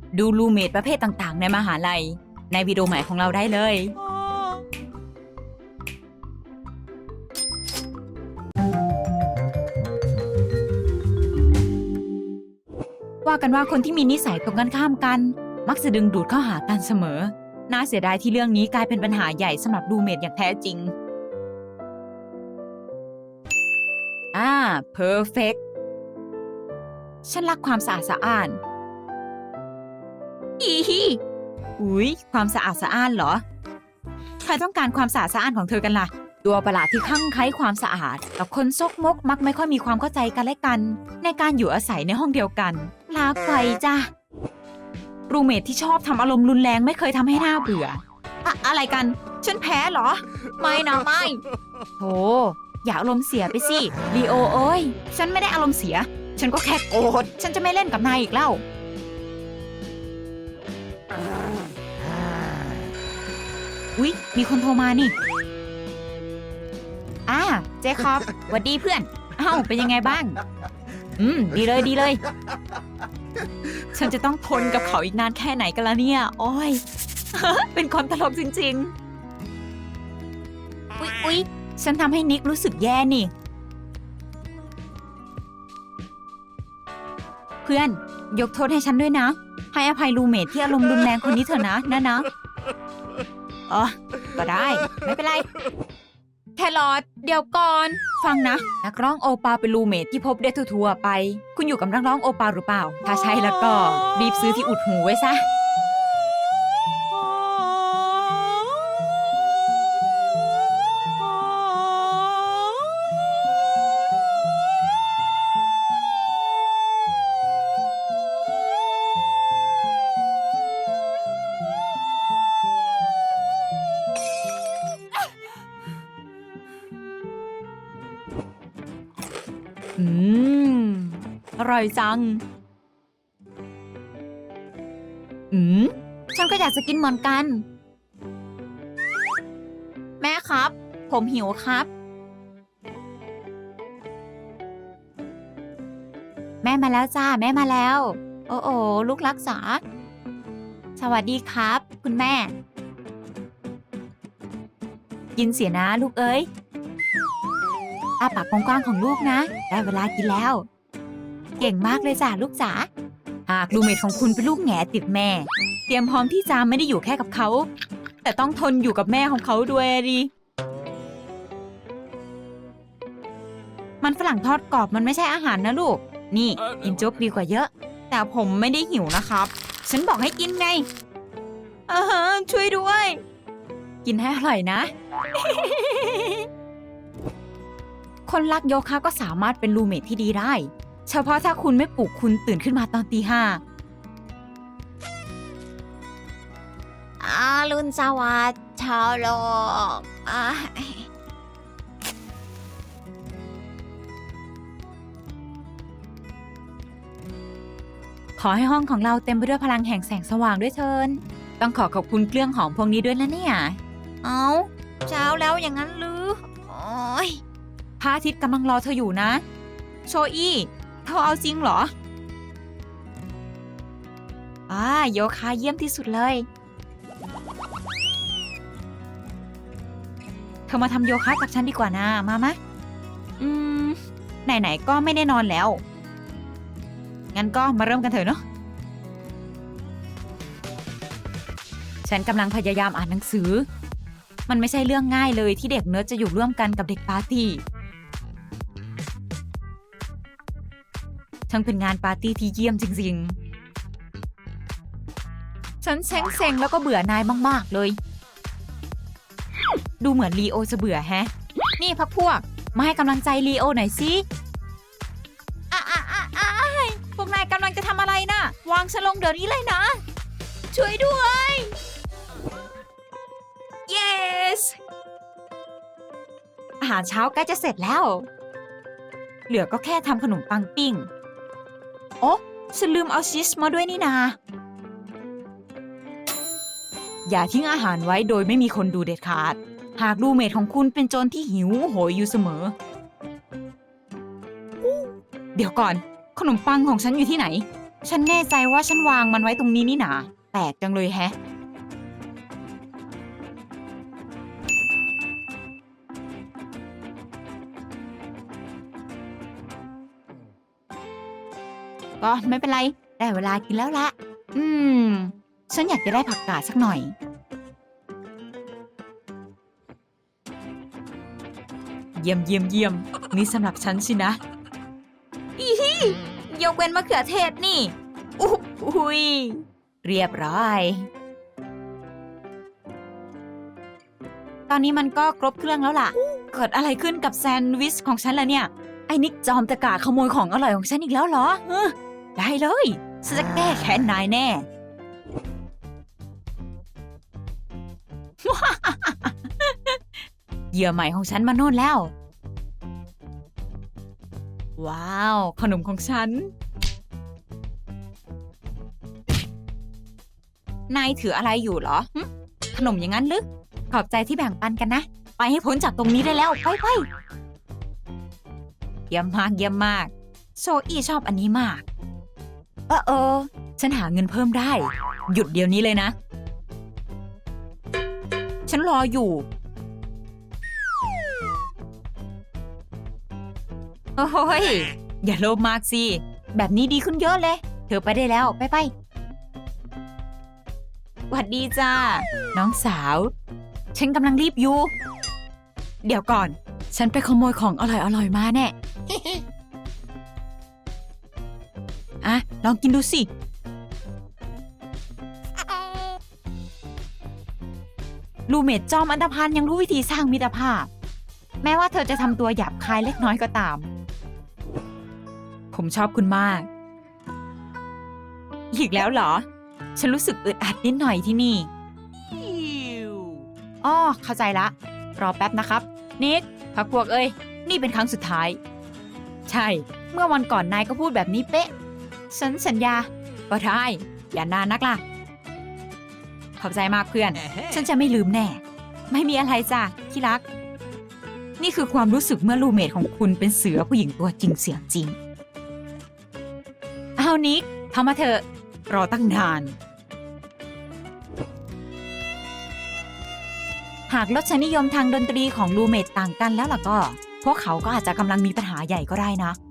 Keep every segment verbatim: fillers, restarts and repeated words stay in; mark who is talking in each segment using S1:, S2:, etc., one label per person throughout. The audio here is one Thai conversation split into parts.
S1: ดูรูเมทประเภทต่างๆในมหาลัยในวิดีโอใหม่ของเราได้เลยว่ากันว่าคนที่มีนิสัยตรงกันข้ามกันมักจะดึงดูดเข้าหากันเสมอน่าเสียดายที่เรื่องนี้กลายเป็นปัญหาใหญ่สำหรับรูเมทอย่างแท้จริงอ่า perfect ฉันรักความสะอาดสะอ้านอีฮีอุ๊ยความสะอาดสะอ้านเหรอใครต้องการความสะอาดสะอ้านของเธอกันล่ะตัวประหลาดที่คลั่งไคล้ความสะอาดกับคนซกมกมักไม่ค่อยมีความเข้าใจกันและกันในการอยู่อาศัยในห้องเดียวกันลาไปจ้ะรูเมทที่ชอบทำอารมณ์รุนแรงไม่เคยทำให้หน้าเบื่ออะอะไรกันฉันแพ้เหรอไม่นะไม่โธ่อย่าอารมณ์เสียไปสิลีโอเอ้ยฉันไม่ได้อารมณ์เสียฉันก็แค่โกรธฉันจะไม่เล่นกับนายอีกแล้วอุ๊ยมีคนโทรมานี่อ่าเจคอบหวัดดีเพื่อนเอ้าเป็นยังไงบ้างอืมดีเลยดีเลยฉันจะต้องทนกับเขาอีกนานแค่ไหนกันล่ะเนี่ยโอ้ย เป็นคนตลกจริงๆอุ๊ยอุ๊ยฉันทำให้นิกรู้สึกแย่นี่เพื่อนยกโทษให้ฉันด้วยนะให้อภัยรูเมทที่อารมณ์รุนแรงคนนี้เถอะนะนะนะอ๋อก็ได้ไม่เป็นไรแครอทเดี๋ยวก่อนฟังนะนักร้องโอปาเป็นรูเมทที่พบได้ทั่วๆไปคุณอยู่กับนักร้องโอปาหรือเปล่าถ้าใช่แล้วก็รีบซื้อที่อุดหูไว้ซะอืมอร่อยจังอืมฉันก็อยากจะกินเหมือนกันแม่ครับผมหิวครับแม่มาแล้วจ้าแม่มาแล้วโอ้โอ้ลูกรักษาสวัสดีครับคุณแม่กินเสียนะลูกเอ้ยอ้าปากกว้างๆของลูกนะได้เวลากินแล้วเก่งมากเลยจ้ะลูกจ๋าหากรูเมทของคุณเป็นลูกแง่ติดแม่เตรียมพร้อมที่จะไม่ได้อยู่แค่กับเขาแต่ต้องทนอยู่กับแม่ของเขาด้วยดิมันฝรั่งทอดกรอบมันไม่ใช่อาหารนะลูกนี่กินโจ๊กดีกว่าเยอะแต่ผมไม่ได้หิวนะครับฉันบอกให้กินไงเออช่วยด้วยกินให้อร่อยนะ คนรักโยคะก็สามารถเป็นรูเมทที่ดีได้เฉพาะถ้าคุณไม่ปลุกคุณตื่นขึ้นมาตอนตีห้าอารุณสวัสดิ์ชาวโลกขอให้ห้องของเราเต็มไปด้วยพลังแห่งแสงสว่างด้วยเถินต้องขอขอบคุณเครื่องหอมพวกนี้ด้วยนะเนี่ยเอาเช้าแล้วอย่างนั้นหรือโอ้ยพระอาทิตย์กำลังรอเธออยู่นะโชอี้เธอเอาจริงเหรออ่าโยคะเยี่ยมที่สุดเลยเธอมาทำโยคะกับฉันดีกว่านะมามะอืมไหนๆก็ไม่ได้นอนแล้วงั้นก็มาเริ่มกันเถอะเนาะฉันกำลังพยายามอ่านหนังสือมันไม่ใช่เรื่องง่ายเลยที่เด็กเนิร์ดจะอยู่ร่วมกันกับเด็กปาร์ตี้ทั้งเป็นงานปาร์ตี้ที่เยี่ยมจริงๆฉันเซ็งๆแล้วก็เบื่อนายมากๆเลยดูเหมือนลีโอจะเบื่อแฮะนี่พักพวกมาให้กำลังใจลีโอหน่อยสิอ่ะอ่ะอ่ะอ่ะพวกนายกำลังจะทำอะไรนะวางฉันลงเดี๋ยวนี้เลยนะช่วยด้วย yes อาหารเช้าใกล้จะเสร็จแล้วเหลือก็แค่ทำขนมปังปิ้งโอ๊ะฉันลืมเอาชีสมาด้วยนี่นาอย่าทิ้งอาหารไว้โดยไม่มีคนดูเด็ดขาดหากรูเมทของคุณเป็นโจรที่หิวโหยอยู่เสมอเดี๋ยวก่อนขนมปังของฉันอยู่ที่ไหนฉันแน่ใจว่าฉันวางมันไว้ตรงนี้นี่หนาแปลกจังเลยแฮะก็ไม่เป็นไรได้เวลากินแล้วละอืมฉันอยากจะได้ผักกาดสักหน่อยเยี่ยมเยี่ยมเยี่ยมนี่สำหรับฉันสินะอีฮียกเว้นมะเขือเทศนี่อุ๊บอุ้ยเรียบร้อยตอนนี้มันก็ครบเครื่องแล้วล่ะเกิดอะไรขึ้นกับแซนด์วิชของฉันล่ะเนี่ยไอ้นิกจอมตะกาขโมยของอร่อยของฉันอีกแล้วเหรอเออได้เลยฉันจะแก้แค้นนายแน่ เหยื่อใหม่ของฉันมาโน่นแล้วว้าวขนมของฉันนายถืออะไรอยู่เหรอขนมอย่างนั้นหรือขอบใจที่แบ่งปันกันนะไปให้พ้นจากตรงนี้ได้แล้วไปไปเยี่ยมมากเยี่ยมมากโซอี้ชอบอันนี้มากเออเออฉันหาเงินเพิ่มได้หยุดเดี๋ยวนี้เลยนะฉันรออยู่โอ้ยอย่าโลภมากสิแบบนี้ดีขึ้นเยอะเลยเธอไปได้แล้วไปไปหวัดดีจ้าน้องสาวฉันกำลังรีบอยู่เดี๋ยวก่อนฉันไปขโมยของอร่อยๆมาแน่ อ่ะลองกินดูสิลูเมดจอมอันธพาลยังรู้วิธีสร้างมิตรภาพแม้ว่าเธอจะทำตัวหยาบคายเล็กน้อยก็ตามผมชอบคุณมากอีกแล้วเหรอฉันรู้สึกอึดอัดนิดหน่อยที่นี่อ้อเข้าใจละรอแป๊บนะครับนิกพักพวกเอ้ยนี่เป็นครั้งสุดท้ายใช่เมื่อวันก่อนนายก็พูดแบบนี้เป๊ะฉันสัญญาก็ได้อย่านานนักล่ะขอบใจมากเพื่อนฉันจะไม่ลืมแน่ไม่มีอะไรจ้ะที่รักนี่คือความรู้สึกเมื่อรูเมทของคุณเป็นเสือผู้หญิงตัวจริงเสียงจริงเอานิกทำมาเถอะรอตั้งนานหากรสนิยมทางดนตรีของรูเมทต่างกันแล้วล่ะก็พวกเขาก็อาจจะกำลังมีปัญหาใหญ่ก็ได้นะ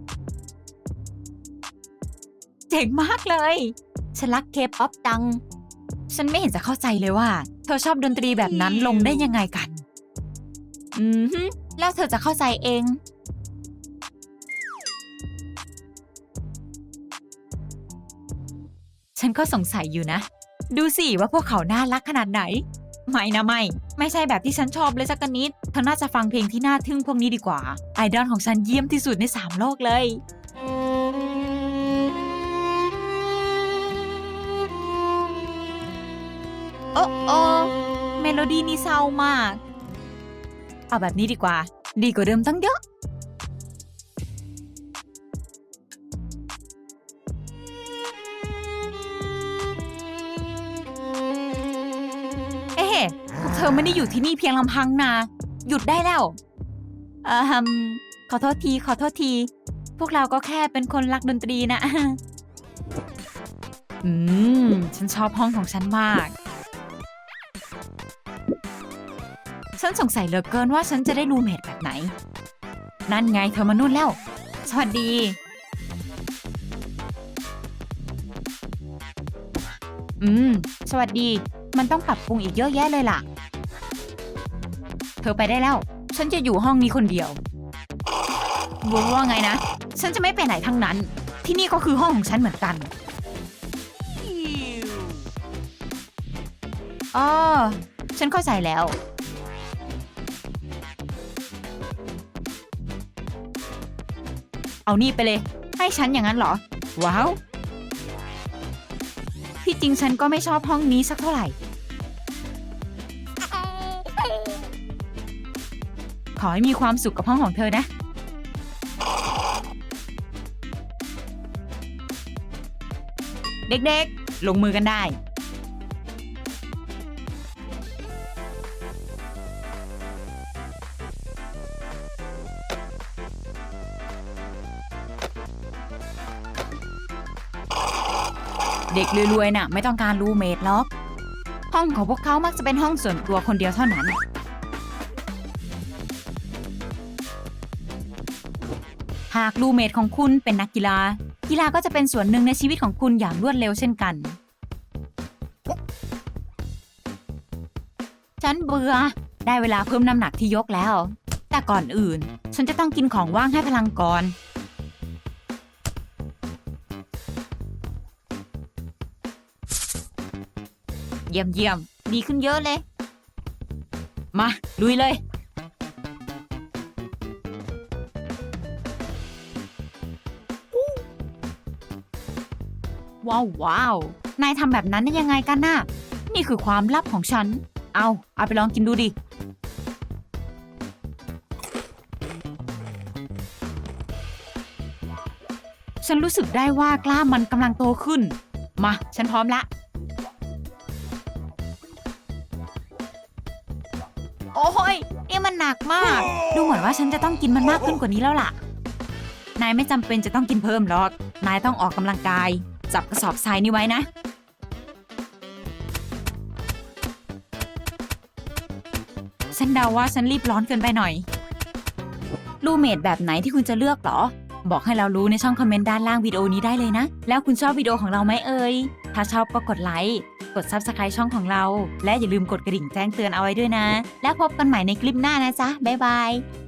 S1: เจ๋งมากเลยฉันรักเคป๊อปจังฉันไม่เห็นจะเข้าใจเลยว่าเธอชอบดนตรีแบบนั้นลงได้ยังไงกันอืมแล้วเธอจะเข้าใจเองฉันก็สงสัยอยู่นะดูสิว่าพวกเขาน่ารักขนาดไหนไม่นะไม่ไม่ใช่แบบที่ฉันชอบเลยสักนิดเธอน่าจะฟังเพลงที่น่าทึ่งพวกนี้ดีกว่าไอดอลของฉันเยี่ยมที่สุดในสามโลกเลยโอ้โอเมโลดี้นี่เศร้ามากเอาแบบนี้ดีกว่าดีกว่าเดิมตั้งเยอะเอ๊ะเธอไม่ได้อยู่ที่นี่เพียงลำพังนะหยุดได้แล้วเอ่อขอโทษทีขอโทษทีพวกเราก็แค่เป็นคนรักดนตรีนะอืมฉันชอบห้องของฉันมากฉันสงสัยเหลือเกินว่าฉันจะได้รูเมทแบบไหนนั่นไงเธอมานู่นแล้วสวัสดีอืมสวัสดีมันต้องปรับปรุงอีกเยอะแยะเลยล่ะเธอไปได้แล้วฉันจะอยู่ห้องนี้คนเดียวบอกว่าไงนะฉันจะไม่ไปไหนทั้งนั้นที่นี่ก็คือห้องของฉันเหมือนกันอ๋อฉันเข้าใจแล้วเอานี่ไปเลยให้ฉันอย่างนั้นเหรอว้าวที่จริงฉันก็ไม่ชอบห้องนี้สักเท่าไหร่ขอให้มีความสุขกับห้องของเธอนะเด็กๆลงมือกันได้เด็กรวยๆน่ะไม่ต้องการรูเมทหรอกห้องของพวกเขามักจะเป็นห้องส่วนตัวคนเดียวเท่านั้น หากรูเมทของคุณเป็นนักกีฬากีฬาก็จะเป็นส่วนหนึ่งในชีวิตของคุณอย่างรวดเร็วเช่นกันฉันเบื่อได้เวลาเพิ่มน้ำหนักที่ยกแล้วแต่ก่อนอื่นฉันจะต้องกินของว่างให้พลังก่อนเยี่ยมเยี่ยมดีขึ้นเยอะเลยมาลุยเลยว้าวว้าวนายทำแบบนั้นได้ยังไงกันน่ะนี่คือความลับของฉันเอาเอาไปลองกินดูดิฉันรู้สึกได้ว่ากล้ามมันกำลังโตขึ้นมาฉันพร้อมละโอ้ยนี่มันหนักมากดูเหมือนว่าฉันจะต้องกินมันมากขึ้นกว่านี้แล้วล่ะนายไม่จำเป็นจะต้องกินเพิ่มหรอกนายต้องออกกำลังกายจับกระสอบทรายนี้ไว้นะฉันเดาว่าฉันรีบร้อนเกินไปหน่อยรูเมทแบบไหนที่คุณจะเลือกหรอบอกให้เรารู้ในช่องคอมเมนต์ด้านล่างวิดีโอนี้ได้เลยนะแล้วคุณชอบวิดีโอของเราไหมเอ่ยถ้าชอบก็กดไลค์กด ซับสไครบ์ ช่องของเราและอย่าลืมกดกระดิ่งแจ้งเตือนเอาไว้ด้วยนะแล้วพบกันใหม่ในคลิปหน้านะจ๊ะบ๊ายบาย